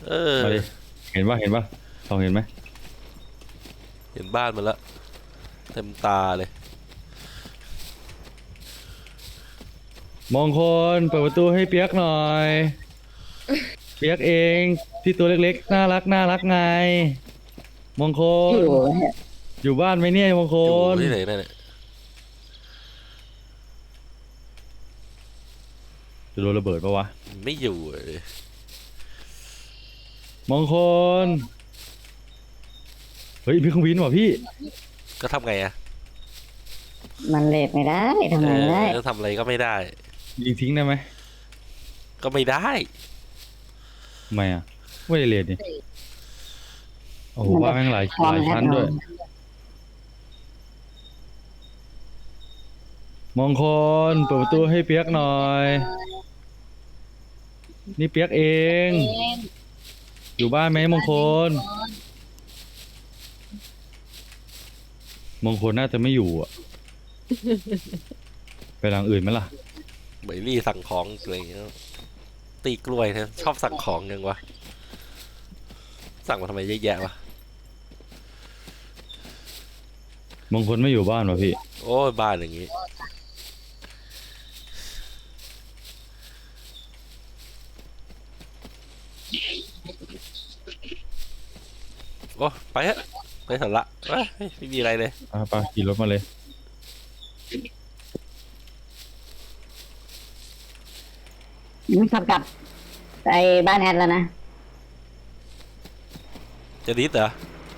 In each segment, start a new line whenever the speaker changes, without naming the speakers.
เออ
มาดิเห็นปะลองเห็นไหม
เห็นบ้านมันละเต็มตาเลย
มงคลเปิดประตูให้เปียกหน่อยเปียกเองที่ตัวเล็กๆน่ารักไงมงค
อยู่
ลอยู่บ้านไหมเนี่ยมงค
อยู่
ล
ที่ไหนเนี่ย
จะโดนระเบิดปะวะ
ไม่อยู่เลย
มงคลเฮ้ยพี่เครื่องบินว่ะพี่
ก็ทำไงอะ
มันเลทไม่ได้ทำไงไม่ได้
ทำอะไรก็ไม่ได้
ยิงทิ้งได้ไหม
ก็ไม่ได้
ทำไมอ่ะไม่ได้เรียนนี่โอ้โหว่าแม่งหลายชั้นด้วยมงคลเปิดประตูให้เปียกหน่อยนี่เปียกเองอยู่บ้านไหมมงคลน่าจะไม่อยู่อ่ะไปทางอื่นไหมล่ะ
เหมยลี่สั่งของอะไรอย่างเงี้ยตีกล้วยนะชอบสั่งของยังวะสั่งมาทำไมเยอะแยะวะ
มงคลไม่อยู่บ้านวะพี่
โอ้ยบ้านอย่างงี้โอ้ไปฮะไปเถอะละไม่มีอะไรเลย
ไปขี่รถมาเลย
มันขับกลับไปบ้านแอดแล้วนะ
จะดิสเหรอ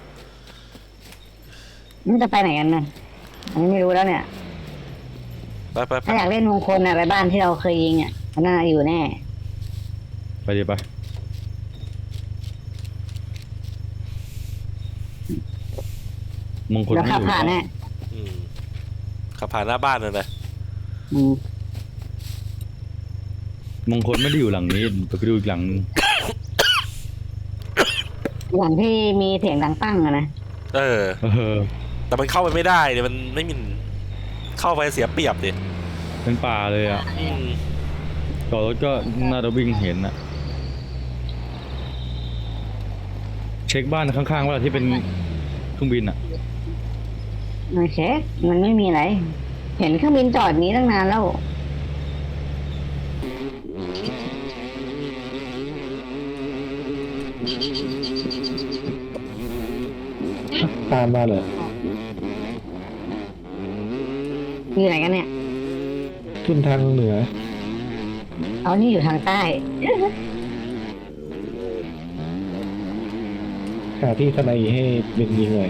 มันจะไปไหนกันนะอันนี้ไม่รู้แล้วเนี่ย
ไป
ถ้าอยากเล่นมงคลไปบ้านที่เราเคยยิงมันน่าอยู่แน่
ไปดิไปมงคล
เรา
ไม่อยู่
ขับผ่านแน่
ขับผ่านหน้าบ้านเลยนะ
มงคลไม่ได้อยู่หลังนี้ไปดูอีกหลังนึง
หลังที่มีเสียงดังปั้งนะ
แต่มันเข้าไปไม่ได้เดี๋ยวมันไม่มีเข้าไปเสียเปรียบดิ
เป็นป่าเลยอ่ะต่อรถก็น่าจะวิ่งเห็นอ่ะเช็คบ้านข้างๆว่าที่เป็นเครื่องบินอ่ะ
ไม่เช็คมันไม่มีอะไรเห็นเครื่องบินจอดนี้ตั้งนานแล้ว
ตามมาเลย
อยู่ไหนกันเนี่ย
ขึ้นทางเหนือ
เอานี่อยู่ทางใต้
หาที่สไนให้เป็นยิงเลย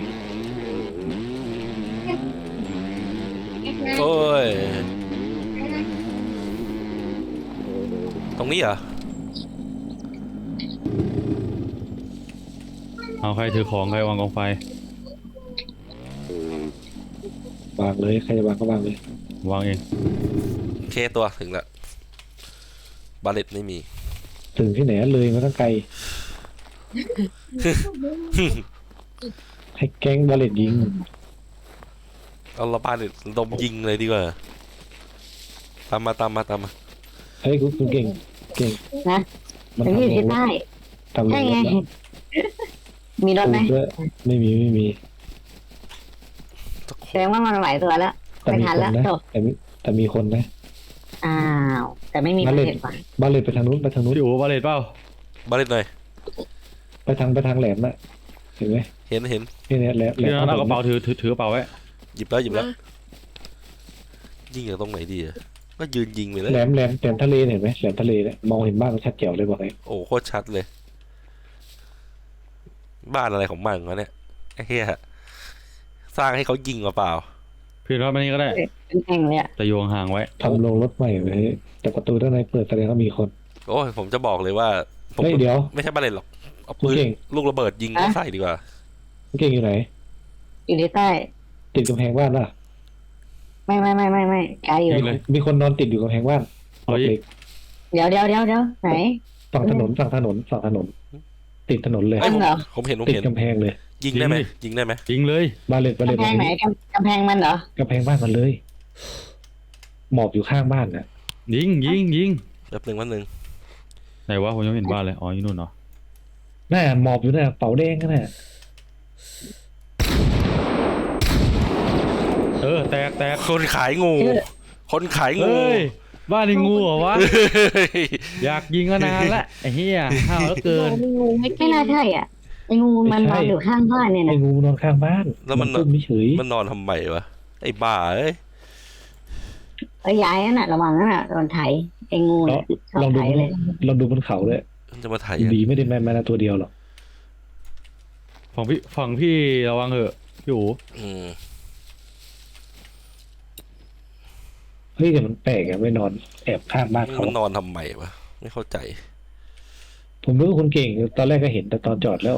โอ้ยตรงนี้เหรอ
เอาใครถือของใครวางกองไฟ
วางเลยใครจะวางก็วางเลยว
างเอง
เคตัวถึงแล้วบาเลตไม่มี
ถึงที่ไหนเลยมาตั้งไกลให้แก๊งบาเลตยิง
เอาละบาเลตดมยิงเลยดีกว่าตามมา
เฮ้ยคุณเก่ง
นะมันอยู่ที่ใต้ใช่ไงมีรถไหม
ไม่มี
แสดงว่ามันไหวตัวแล้วไม่ทันแล้ว
แต่มีคนนะ
อ้าวแต่ไม่มีบาเลตว่ะ
บาเลตไปทางนู้น
อยู่บาเลตเปล่า
บาเลตหน่อย
ไปทางแหลมน่ะเห็นไหม
เห็น
นี่แหลม
เอากระเป๋าถือกระเป๋าไว้
หยิบแล้วยิงจากตรงไหนดีอ่ะก็ยืนยิงไปเลย
แหลมทะเลเห็นไหมแหลมทะเลเนี่ยมองเห็นบ้านชัดแจ๋วเลยบอกเลย
โอ้โคตรชัดเลยบ้านอะไรของมันวะเนี่ยไอ้เหี้ยสร้างให้เขายิงมาเปล่า
พี่รอดมานี่ก็ได้
เป็นแอ่งเลยอะ
แต่โยงห่างไว้
ทำโรงรถใหม่ไว้แต่ประตูด้านในเปิดแสดงว่ามีคน
โอ้ยผมจะบอกเลยว่า
ผมเดี๋ยว
ไม่ใช่บาเลตหรอกเอาปืนลูกระเบิดยิงใส่ดีกว่า
เก่งอยู่ไหน
อยู่ที่ใต้
ติดกำแพงบ้านป่ะ
ไม่ไกลอยู่
มีคนนอนติดอยู่กำแพงบ้าน
เดี๋ยวไหน
ฝั่งถนนติดถนนเลย
ผมเห็น
ติดกำแพงเลย
ยิงได้ไหม
ยิงเลย
บาเลต
กำแพงไหนกำแพงมันเหรอก
ำแพงบ้านมันเลยหมอบอยู่ข้างบ้านน่ะ
ยิง
แป๊บนึงไหน
วะผมยังเห็นบ้านเลยอ๋ออยู่นู่นเหรอ
น่าหมอบอยู่น่ะเป๋าแดงกันน่ะ
แตกแตก
คนขายงู คนขายงู
เฮ้ยบ้านนี่งูเหรอวะ
เฮ้ย
อยากยิงมานานละไอ้เหี้ยห้าวเหลือเกิน
ไม่งูไม่น่าใช่อ่ะไอ้งูมันนอนอยู่ข้างบ้านเนี่ย
ไอ้
นะ
งูนอนข้างบ้าน
แล้วมัน
ตุ้มไม่เฉย
มันนอนทำไมวะไอ้บ้าเอ้ย
ไอ้ยายนั่นน่ะระวังนั่นน่ะโดนไถไอ้งูเนี่ยชอบ
ลองดู
ไถเลย
ลองดูบนเขาเลย
มันจะมาไถ่
ดีไม่ได้แม่ตัวเดียวหรอก
ฝั่งพี่ระวังเถอะพี่อู๋
อืม
เฮ้ยแต่มันแปลกอะไม่นอนแอบข้างบ้านเขา
มันนอนทำไมวะไม่เข้าใจ
ผมรู้ว่าคุณเก่งตอนแรกก็เห็นแต่ตอนจอดแล้ว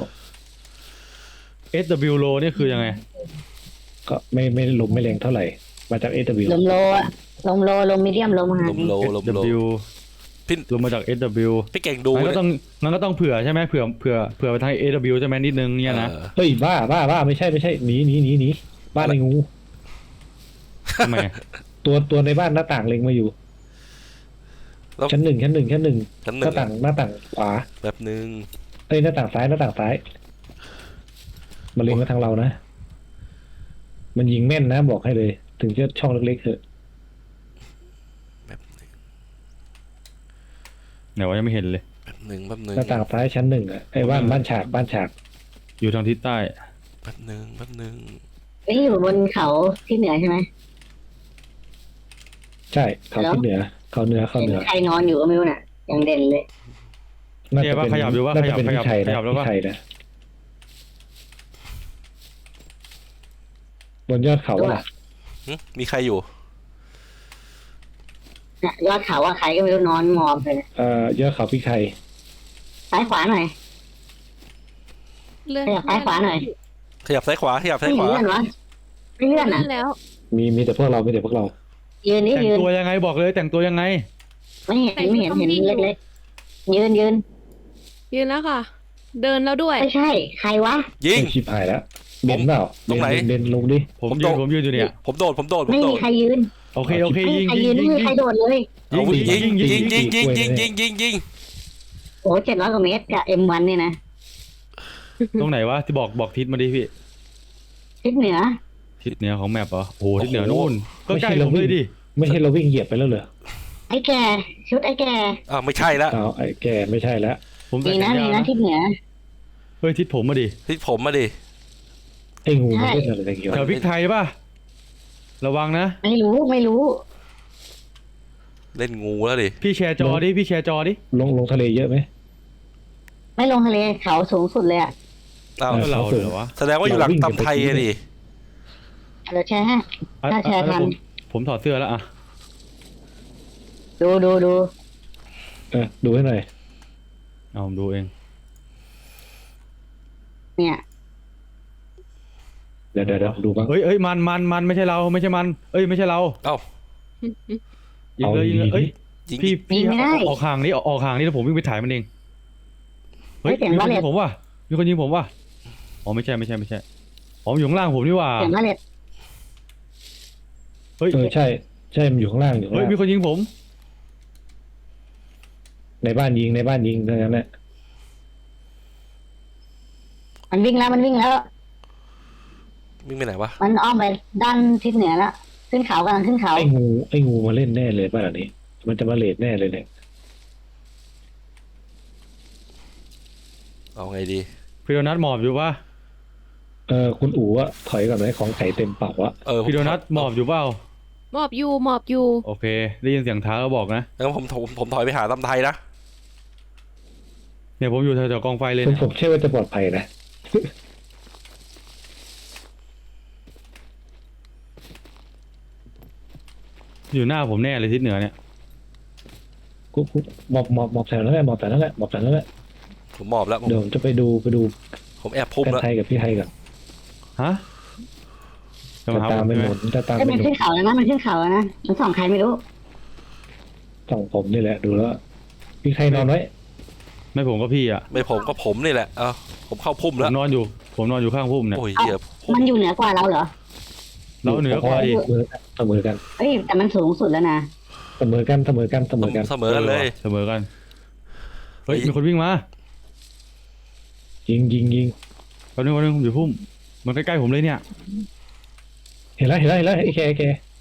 SW low นี่คือยังไง
ก็ไม่ลมไม่แรงเท่าไหร่ มาจาก SW
ลมโลอะลมโลลมมีเดียมลมไฮ
ลมโลลมโล
SW
พี่
ลงมาจาก SW
พี่เก่งดู
มันก็ต้องเผื่อใช่ไหมเผื่อไปทาง AW ใช่ไหมนิดนึงเนี่ยนะ
ออ
เฮ้ยบ้าไม่ใช่หนีบ้านไอ้งู
ทำไม
ตัวในบ้านหน้าต่างเล็งมาอยู่
แล้ว
ชั้นหนึ่ง
ชั้นห
ห
นึ่
น้าง ต่างขวา
แบบนึง
เอ้ยหน้าต่างซ้ายมันเล็งมาทางเรานะ มันยิงแม่นนะบอกให้เลย ถึงจะช่องเล็กๆเถอะ
แบบนึง
ไหนว่ายังไม่เห็นเลย
แบบนึงแบบนึง
หน้าต่างซ้ายชั้นหนึ่งอะไอ้บ้านฉาก
อยู่ทางทิศใต้
แบบนึงแบบนึง
นี่อยู่บนเขาที่เหนือใช่ไหม
ใช่เขาที่เหนือเขาเหนือ
เห็นใครนอนอยู่ก็ไม่รู้น่ะยังเด่นเลย
น่า
เนี่ย
จะ
ว่า
เป็น
ขยับอยู่ว่า
น่า
ข
จะ
ยับ
เป็น
ขยั
พี่
บ
ชัย
ข
นะ
ยับแล้ว
พี่
ว่า
ชัยนะบนยอดเขาอะ
หึมีใครอยู่
เนี่ยยอดเขาว่าใครก็ไม่รู้นอนหมอบเลย
ยอดเขาพี่ชัย
ซ้ายขวาหน่อย ขยับซ้ายขวาหน่อย
ขยับซ้ายขวาขยับซ้า
ไม่
ยขวา
เลื่อนวะไม่เลื่อนอ่ะ
แล้ว
มีแต่พวกเรา
ยืนนี่
แต่ง
ยืน
ตัวยังไงบอกเลยแต่งตัวยังไง
ไม่เห็นเล็กๆยืน
ยืนแล้วค่ะ เดินแล้วด้วย
ไม่ใช่ ใครวะ
ยิง
ชิบหายแล้วเบนเปล่า
ตรงไหน
เบนลงดิ
ผม
ผม
ยื
โด
น
ด
ผมยืนอยู่เนี่ย
ผมโดดผมโดดผม
ไม่
โด
มี
ด
ใครยืน
โอเคโอเค
ไม่
ยิ
มี
ง
ใคร
ยิ
ยื
ง
นไม่
ยิง
มีใครโดดเลย
เอายิง
ยิง
ยิงยิงยิงยิงยิงยิง
โอ้700 กว่าเมตรกับ M1 เนี่ยนะ
ตรงไหนวะที่บอกทิศมาดิพี่
ทิศเหนือ
ทิศเหนือของแมปเหรอโอ้โหทิศเหนือนู่นก็ใกล้ผมเลยดิ
ไม่ใช่เราวิ่งเหยียบไปแล้วเหรอ
ไอ้แก่ชุดไอ้แก่
อ้าวไม่ใช่ละ
อ้าวไอ้แกไม่ใช่แล้ว
ผมใส่
มี
แข
นะ
น
มี
ยาว
นะ
นะ
ทิศเหนือ
เฮ้ยทิศผมมาดิ
ที่ผมมาดิ
ไอ้งูมันเล่นอะไรกันอยู่
แถวพริกไทยป่ะระวังนะ
ไม่รู้
เล่นงูแล้วดิ
พี่แชร์จอดิพี่แชร์จอดิ
ลงทะเลเยอะไหม
ไม่ลงทะเลเขาสูงสุดเลยอ่ะ
อ้าว
ก็เราเหรอวะ
แสดงว่าอยู่หลังตำไทยอะดิ
เราแชร์ให้ ถ้าแชร์ทัน
ผมถอดเสื้อแล้วอะ
ดู
ดูให้หน่อย
เอาผมดูเอง
เนี่ย
เดี๋ยวดูบ้าง
เอ้ยมันไม่ใช่เราไม่ใช่มันเอ้ยไม่ใช่เรา
เอ้า
ยิงเลยยิงเลยเอ้ย
ยิง
พี่ออกห่างนี่ออกห่างนี่แล้วผมวิ่งไปถ่ายมันเองเฮ้ยมีคนยิงผมว่ะมีคนยิงผมว่ะอ๋อไม่ใช่อ๋ออยู่ข้างล่างผมนี่หว่า
เสียงมาเลด
เฮ้ย
ใช่มันอยู่ข้างล่างอยู่ข้าง
เฮ้ย
ล่าง
มีคนยิงผม
ในบ้านยิงเท่านั้นแหละ
มันวิ่งแล้ว
วิ่งไปไหนวะ
มันอ้อมไปด้านทิศเหนือแล้ว ขึ้นเขากำลังขึ้นเขา
ไอ้งูมาเล่นแน่เลยบ้านหลังนี้ มันจะมาเลดแน่เลยเนี่ย
เอาไงดี
พี่โดนัทหมอบอยู่ป่ะ
คุณอู๋อะถอยก่อนไหมของไก่เต็มเป่าอะ
พี่โดนัทหมอบอยู่เปล่า
หมอบอยู่
โอเคได้ยินเสียงเท้าแล้วบอกนะ
งั้นผมถอยไปหาตำไทยนะ
เนี่ยผมอยู่แถวๆกองไฟเลย
ผม
นะ
เชื่อว่าจะปลอดภัยนะ
อยู่หน้าผมแน่เลยทิศเหนือเนี่ย
กูหมอบแถวนั้นแหละหมอบแถวนั้นแหละ
ผมหมอบแล้ว
เดี๋ยวผมจะไปดู
ผมแอบพุ่ม
กัน
แล้ว
ไทยกับพี่ไทยก่อน
ฮะ
จะตามไปหนุนจะตาม
ก็
ไป
มัน
หนุ
ขึ้
น
นเขาแล้วนะมันขึ้นเขาแล้วนะมันส่องใครไม่รู้
ส่องผมนี่แหละดูแล้วพี่ไทยนอนไว้
ไม่ผมก็พี่อ่ะ
ไม่ผมก็ผมนี่แหละเอาผมเข้าพุ่ม
ผ
แล้ว
มนอนอยู่ข้างพุ่มเนี่ย
โอ้ยเหี้ยพุ่ม
มันอยู่เหนือกว่าเราเหรอ
เราเหนือกว่าดิ
เสมอกัน
เอ้ยแต่มันสูงสุดแล้วนะ
เสมอกัน
เสมอกันเลย
เสมอกันเฮ้ยมีคนวิ่งมา
ยิง
แป๊บนึงผมอยู่พุ่มมันใกล้ๆผมเลยเนี่ย
เห็นแล้วไอ้แก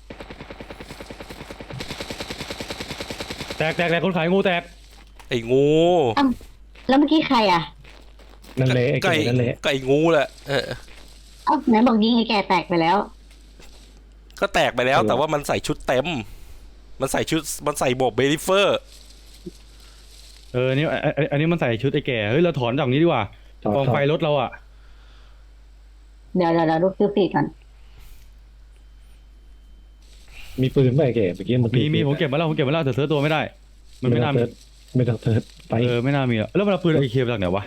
แตกคนขายงูแตก
ไอ้งู
แล้วเมื่อกี้ใครอ่ะ
นั่นแหละไอ้
ไก่
แกนั่นแหละ
ไก่งูแหละ
เอ้าไหนบอกยิงไอ้แก่แตกไปแล้ว
ก็แตกไปแล้วแต่ว่ามันใส่ชุดเต็ม มันใส่โบกเบลิเฟอร์
อันนี้มันใส่ชุดไอ้แก่เฮ้ยเราถอนจากนี้ดีกว่า
จอด
กองไฟรถเราอ่ะ
เดี๋ยวลูกซื้อปีกก่อน
มีปืนไหมไอ้แกเมื่อกี้มัน
มีผมเก็บมาแล้วแต่เสือตัวไม่ได้ มันไม่น่ามี
ไม่ต้องเทิร์ดไป
ไม่น่ามีแล้วมันเอาปืนไอเคมาจากไหนวะ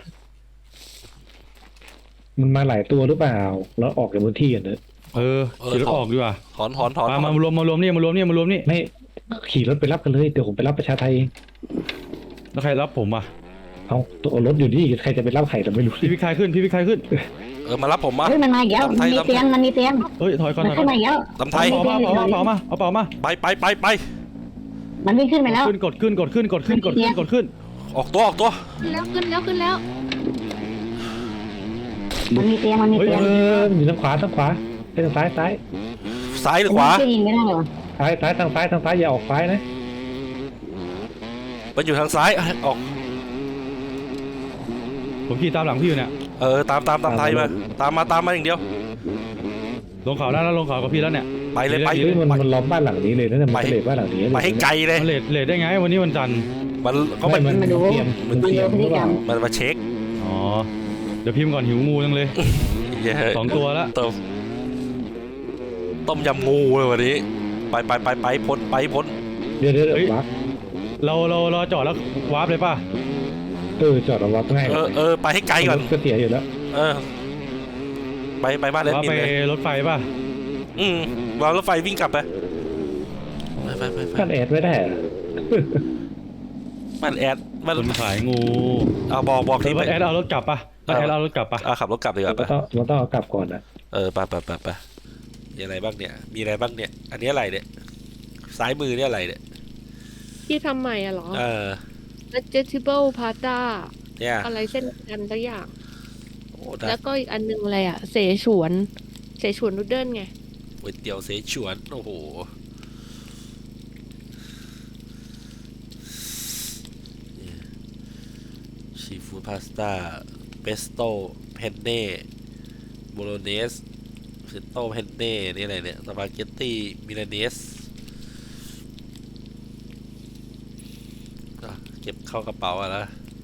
มันมาหลายตัวหรือเปล่าแล้วออกจากพื้นที่กันเถอะ
ขี่รถออกดีกว่า
ถอน
มารวมนี่
ไม่ขี่รถไปรับกันเลยเดี๋ยวผมไปรับประชาไทยเอง
แล้วใครรับผมอ่ะ
เอาตัวรถอยู่นี่ใครจะไปรับใครเราไม่รู้
พี่พิคายขึ้น
มารับผมมา
เฮ้ยมันมาอีกแล้วมันมีเตียง
เฮ้ยถอยก่อน
มันขึ้นมาอีกแล้ว
ลำไทย
เอาเป๋ามา
ไป
มันวิ่งขึ้นไปแล้ว
กดขึ้น
ออกตัว
ขึ้นแล้ว
มันมีเตียง
อยู่ทางขวาไปทางซ้าย
ซ้ายหรือขวา
มันยิงไม่ได้เหรอ
ซ้ายทางซ้ายอย่าออกซ้ายนะ
มันอยู่ทางซ้ายออก
ผมขี่ตามหลังพี่อยู่เนี่ย
ตามไทยมาตามมาอย่างเดียว
ลงเขาแล้วลงเขากับพี่แล้วเนี่ย
ไปเลยไป
เฮ้ยมันล้อมบ้านหลังนี้เลยนะมันเลดบ้านหลังนี้
ไปให้ไกลเลย
เลทได้ไงวันนี้วันจันทร์
มันก็
ไม่
มัน
มันเตรียม
มันดูพฤติกรรม
มันมาเช็ค
อ๋อเดี๋ยวพิมพ์ก่อนหิวงูจังเลย2 ตัวแล้ว
ต้มยำงูเลยวันนี้ไปพ้น
เดี๋ยววัก
เราจอดแล้ววาร์ปเลยป่ะ
จอดวักง่าย
ไปให้ไกลก่อน
ก็เสียอยู่แล้ว
ไปบ้านเลน
วาร์ป
มิน
ไป
เลย
รถไฟป่ะ
วางรถไฟวิ่งกลับไปไป
ท่านแอดไม่ได้
บ้านแอดบ้าน
คนขายงู
เอาบอกที่
บ้านแอดเอารถกลับป่ะ
ขับรถกลับดีกว่าไป
มันต้องเอากลับก่อนนะ
ไปมีอะไรบ้างเนี่ยอันนี้อะไรเนี่ยซ้ายมือเนี่ยอะไรเนี่ย
ที่ทำใหม่อะเหรอ vegetable pasta
เนี่ย
อะไรเส้นกันสักอย่าง
โอ้
แล้วก็อีกอันนึงอะไรอะเสฉวนนูดเดิลไง
ก๋วยเตี๋ยวเสฉวนโอ้โหซีฟู้ดพาสต้าเปสโต้เพนเน่โบโลเนสเพสโต้เพนเน่นี่อะไรเนี่ยสปาเกตตี้มิลานเนสเก็บเข้ากระเป๋าอะนะ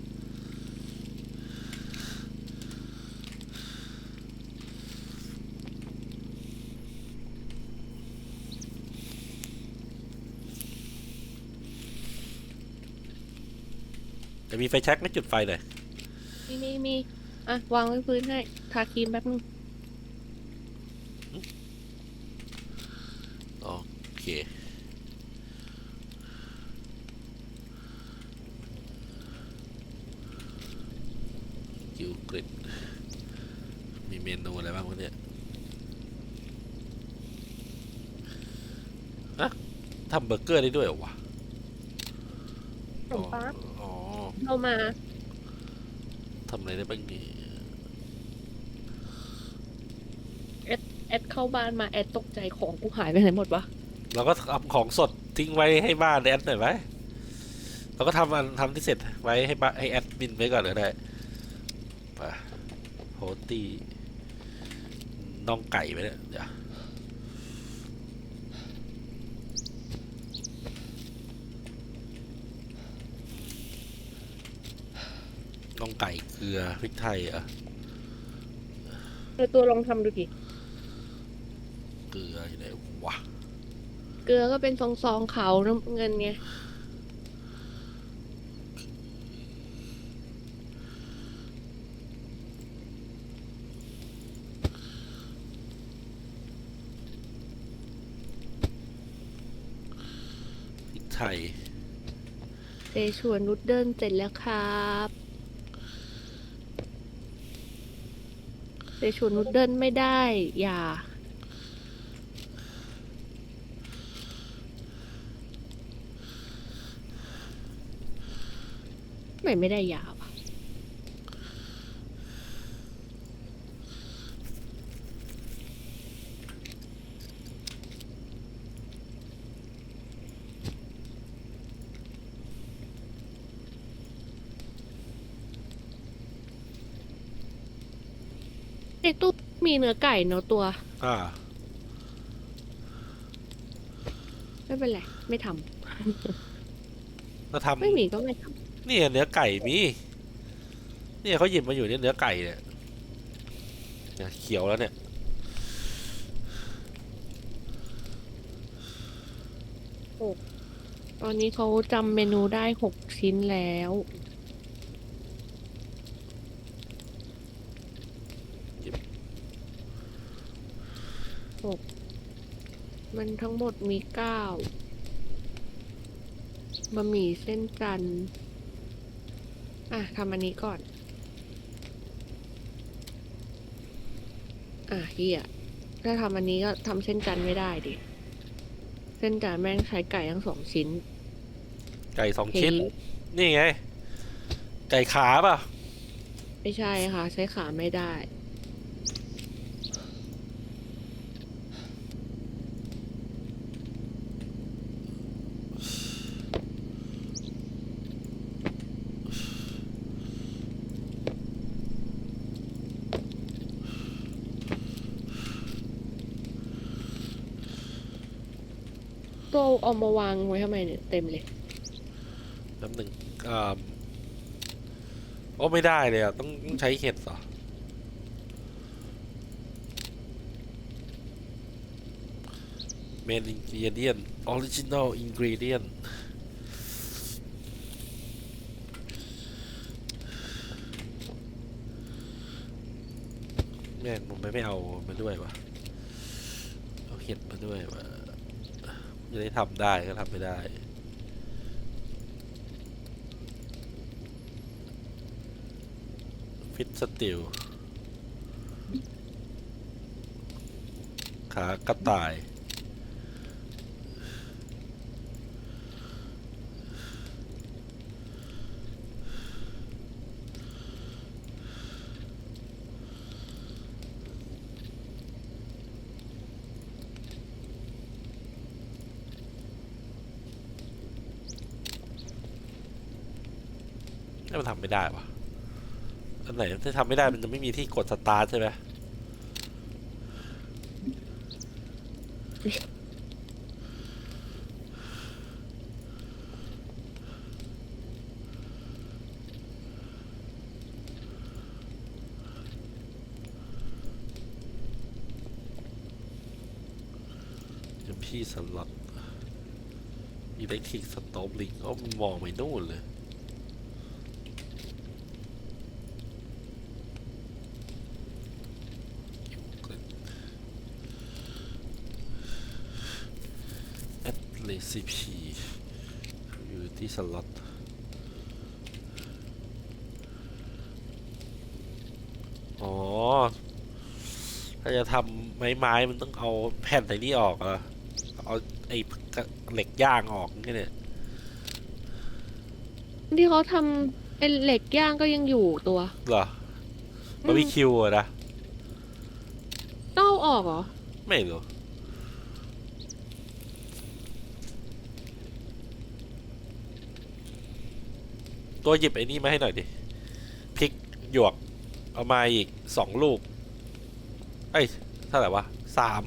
จะมีไฟแช็กไม่จุดไฟหน่อย
มีอ่ะวางไว้พื้นให้ทาครีมแป๊บนึง
โอเคกิวกริดมีเมนูอะไรบ้างวะเนี่ยอะทำเบอร์เกอร์ได้ด้วยเหรอวะ
ขนมปัง
อ๋อ
เข้ามา
ทำอะไรได้บ้างนี่
แอดเข้าบ้านมาแอดตกใจของกูหายไปไหนหมดวะ
เราก็เอาของสดทิ้งไว้ให้บ้านแอดหน่อยไหมเราก็ทำที่เสร็จไว้ให้บ้านให้แอดมินไว้ก่อนก็ได้ไปโฮตี้น่องไก่ไปเนี่ยเดี๋ยวน่องไก่เกลือพริกไทยอ่ะ
ตัวลองทำดูดิ
เกลืออยู่ไหนวะ
เกลือก็เป็นซองขาวน้ำเงินไง
พริกไทย
เสฉวนนูดเดิลเสร็จแล้วครับเสฉวนนูดเดิลไม่ได้อย่าไม่ได้ยาวะในตู้มีเนื้อไก่เนื้อตัว
อ่า
ไม่เป็นไร ไม่ท
เรา
ำไม่
ทำ
มีก็ไม่ท
นี่เนื้อไก่มีเนี่ยเขาหยิบมาอยู่เนี่ยเนื้อไก่เนี่ยเขียวแล้วเนี่ย
ำตอนนี้เขาจำเมนูได้6 ชิ้นแล้ว มันทั้งหมดมี9บะหมี่เส้นจันทร์ทำอันนี้ก่อน เฮียถ้าทำอันนี้ก็ทำเส้นจันทร์ไม่ได้ดิ เส้นจันทร์แม่งใช้ไก่ทั้ง2 ชิ้น
ไก่2 ชิ้น นี่ไง ไก่ขาเปล่ะ
ไม่ใช่ค่ะ ใช้ขาไม่ได้ ตัวเอามาวางไว้ทำไมเนี่ยเต็มเลย
แป๊บหนึ่งโอ้ไม่ได้เลยอ่ะต้องใช้เห็ดเหรอ Main ingredient original ingredient แม่งผมไม่เอามาด้วยวะเอาเห็ดมาด้วยวะจะได้ทำได้ก็ทำไม่ได้ ฟิตสติลขากระต่าย นี่มันทำไม่ได้วะอันไหนที่ทำไม่ได้มันจะไม่มีที่กดสตาร์ทใช่ไหมจะพี่สล็อตอิเล็กทริกสโตปลิงมันมองไปนู่นเลย recipe อยู่ที่สล็อตอ๋อถ้าจะทำไม้มันต้องเอาแผ่นไอ้นี่ออกอะเอาไอ้เหล็กย่างออกนี่เนี่ย
ที่เขาทำเป็นเหล็กย่างก็ยังอยู่ตัว
เหรอ บาร์บีคิวอะนะ
ต้องเอาออกเหรอ
ไม่รู้ตัวหยิบไอ้นี่มาให้หน่อยดิพริกหยวกเอามาอีก2 ลูกเอ้ยเท่าไหร่วะ3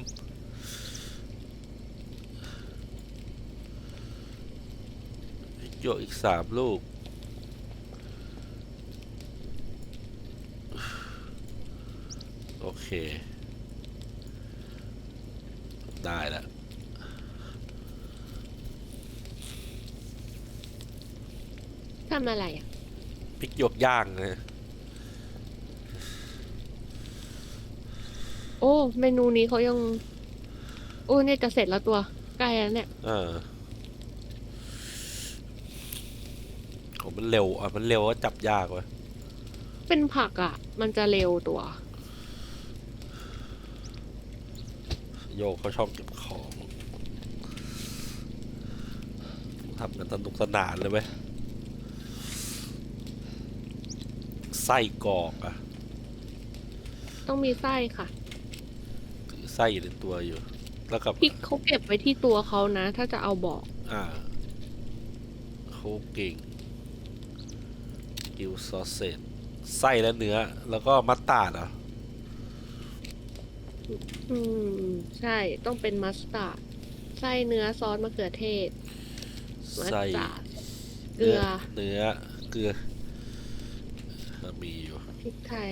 พริกหยวกอีก3 ลูกโอเคได้แล้ว
ทำอะไรอ่ะ
พริกหยวกย่างนะ
โอ้เมนูนี้เขายัง โอ้เนี่ยจะเสร็จแล้วตัวใกล้แล้วเนี่ย
โอ้มันเร็วมันเร็วก็จับยากเว้ย
เป็นผักอ่ะ มันจะเร็วตัว
โยกเขาชอบเก็บของทำกันสนุกสนานเลยเว้ยไส้กรอกอะ
ต้องมีไส้ค่ะ
ถือไส้อยู่ในตัวอยู่ แล้วกับ
พริกเขาเก็บไว้ที่ตัวเขานะ ถ้าจะเอาบอก
เขาเก่งกิวซอสเซจไส้และเนื้อ แล้วก็มัสตาร์ดเหรอ
อืม ใช่ต้องเป็นมัสตาร์ดไส้เนื้อซอสมะเขือเทศ มัส
ใส่
ตาร์ดเกลือ
เนื้อเกลือมีอยู่
พริกไทย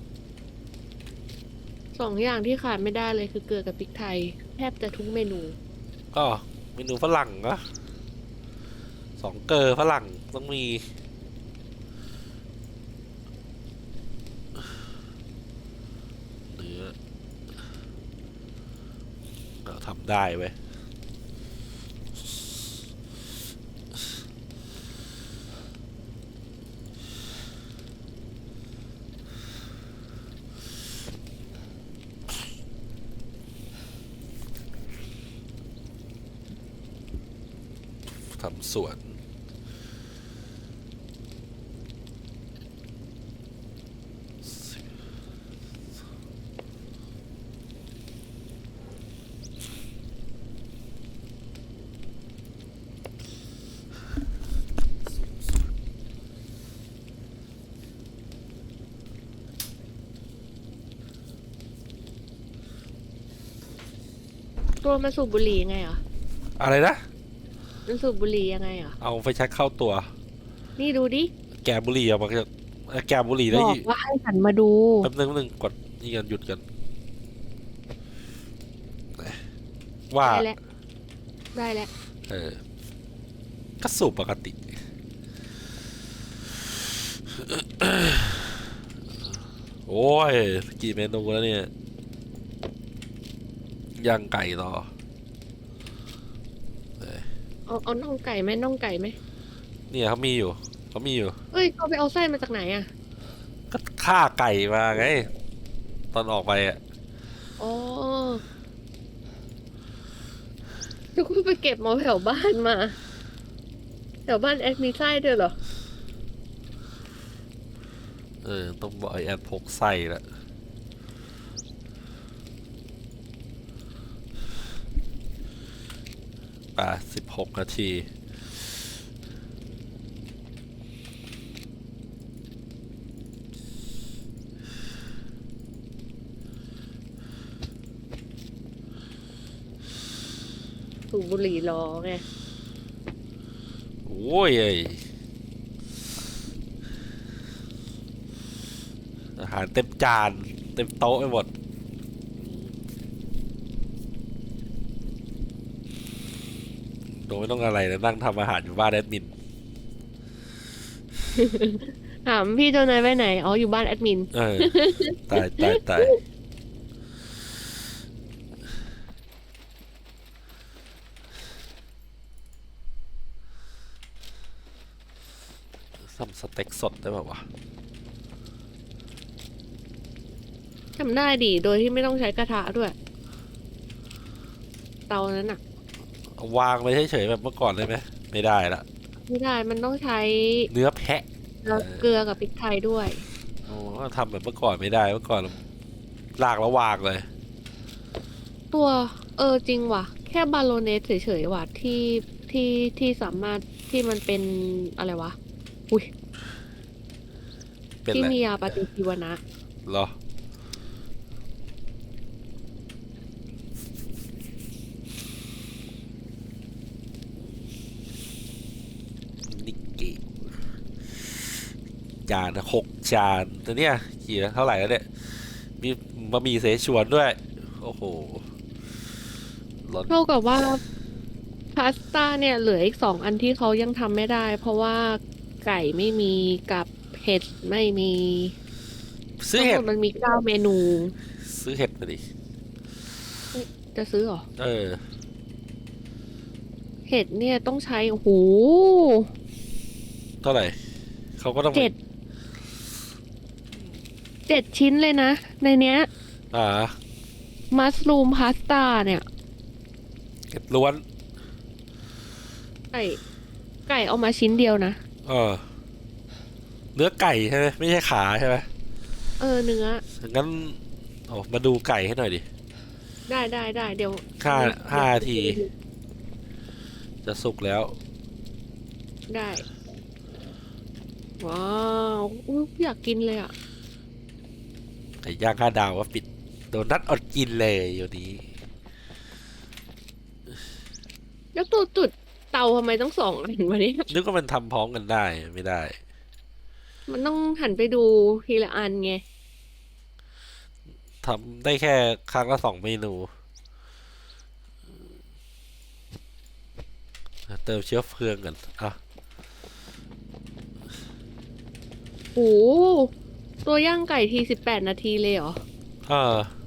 สองอย่างที่ขาดไม่ได้เลยคือเกลือกับพริกไทย แทบจะทุกเมนู
ก็เมนูฝรั่งนะสองเกลอฝรั่งต้องมีเนื้อทำได้เว้ยทำสวน
ตัวมันสูบบุหรี่ยังไงเหรอ
อะไรนะ
มันสูบบุหรี่ยังไงเหรอ
เอาไฟแช็กเข้าตัว
นี่ดูดิ
แกะบุหรี่ออกมาจากแกะบุหรี่
บ
ได้
อกว่าให้หันมาดู
แป๊บนึงกดนี่กันหยุดกันว่า
ได้แล้ว ได้แล้ว
ก็สูบปกติ โอ้ยกี่เมนูแล้วเนี่ยย่างไก่ต่อ
เอาน่องไก่ไหมน่องไก่ไหม
เนี่ยเขามีอยู่
เอ้ยเขาไปเอาไส้มาจากไหนอ่ะ
ก็ฆ่าไก่มาไง ตอนออกไปอ่ะ
อ๋อทุกคนไปเก็บมาแถวบ้านมา แถวบ้านแอดมีไส้ด้วยเหรอ
ต้องบอกไอแอดพกไส้ละ16 นาที
สูบบุหรี่รอไง
โอ้ยอาหารเต็มจาน เต็มโต๊ะไปหมด โดยไม่ต้องอะไรนะนั่งทำอาหารอยู่บ้านแอดมิน
ถามพี่เจ้านายไปไหน อ๋อ อยู่บ้านแอดมิน
ตายซ้ำสเต็กสดได้ป่าวะ
ทำได้ดิ โดยที่ไม่ต้องใช้กระทะด้วย เตานั้นอ่ะ
วางไว้เฉยๆแบบเมื่อก่อนได้ไหมไม่ได้ละ
ไม่ได้ มันต้องใช้
เนื้อแพะ
แล้วเกลือกับพริกไทยด้วย
โอ้ทำแบบเมื่อก่อนไม่ได้เมื่อก่อนลากแล้ววางเลย
ตัวจริงว่ะ แค่บาโลเนสเฉยๆว่ะที่สามารถที่มันเป็นอะไรวะ อุ้ย
เป็น
ที่
ไร
มียาปฏิชีวนะ
เหรอนิกเกจาน6 จานแต่เนี่ยกี่เท่าไหร่แล้วเนี่ยมีบะหมี่เสฉวนด้วย โอ้โหร้อน
เท่ากับว่าพาสต้าเนี่ยเหลืออีก2 อันที่เขายังทำไม่ได้ เพราะว่าไก่ไม่มีกับเห็ดไม่มี
ซื้อ
ทั้ง
เห็
ห
ด
มดมันมี9 เมนู
ซื้อเห็ดมาดิ
จะซื้อเหรอ เห็ดเนี่ยต้องใช้โอ้โห
เท่าไหร่เขาก็ต้อง
7 ชิ้นเลยนะ ในเนี้ย
อ่า
มัสลูมพาสต้าเนี่ย
เห็ดล้วน
ไก่เอามาชิ้นเดียวนะ
เนื้อไก่ใช่ไหมไม่ใช่ขาใช่ไหม
เนื้อ
งั้นมาดูไก่ให้หน่อยดิ
ได้เดี๋ยว
5 นาที จะสุกแล้ว
ได้ ว้าวอุ๊ยอยากกินเลยอ่ะ
ไก่ย่าง5 ดาวก็ปิดโดนัทอดกินเลยอยู่นี้
แล้วตัวจุดเตาทำไมต้อง2 อันวะเนี่ย
นึกว่ามันทำพร้อมกันได้ไม่ได้
มันต้องหันไปดูทีละอันไง
ทำได้แค่ครั้งละ2 เมนู เติมเชื้อเพลิงกันอ่ะ
โอ้ตัวย่างไก่ที18 นาทีเลยเหรอ
เออ